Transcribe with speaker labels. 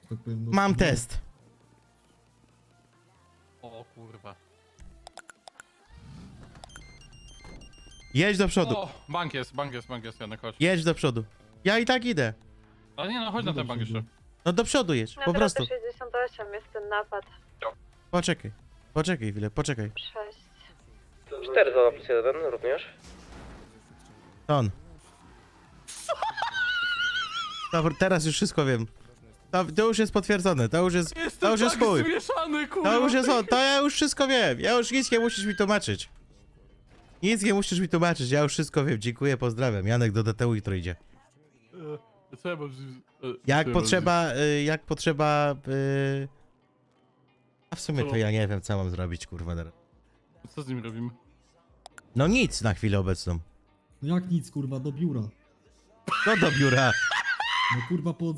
Speaker 1: tak powiem. No,
Speaker 2: Mam
Speaker 1: no.
Speaker 2: test.
Speaker 3: O kurwa.
Speaker 2: Jedź do przodu.
Speaker 3: O, bank jest, Janek, chodź.
Speaker 2: Jedź do przodu. Ja i tak idę.
Speaker 3: Ale nie no, chodź na ten bank jeszcze.
Speaker 2: No do przodu jedź, po prostu.
Speaker 4: 68 jest ten napad.
Speaker 2: Poczekaj. Poczekaj chwilę, poczekaj.
Speaker 4: 6.
Speaker 5: 4 za plus 1 również.
Speaker 2: To on. Dobra, teraz już wszystko wiem. To już jest potwierdzone, to już jest
Speaker 3: tak
Speaker 2: chuj.
Speaker 3: zmieszany, kurwa.
Speaker 2: To już jest on, to ja już wszystko wiem. Ja już nic nie musisz mi tłumaczyć. Nic nie musisz mi tłumaczyć, ja już wszystko wiem. Dziękuję, pozdrawiam. Janek do DTU jutro idzie.
Speaker 3: Co ja mam...
Speaker 2: Jak potrzeba... A w sumie to ja nie wiem, co mam zrobić, kurwa.
Speaker 3: Co z nim robimy?
Speaker 2: No nic na chwilę obecną.
Speaker 1: No jak nic, kurwa, do biura.
Speaker 2: No do biura.
Speaker 1: No kurwa, po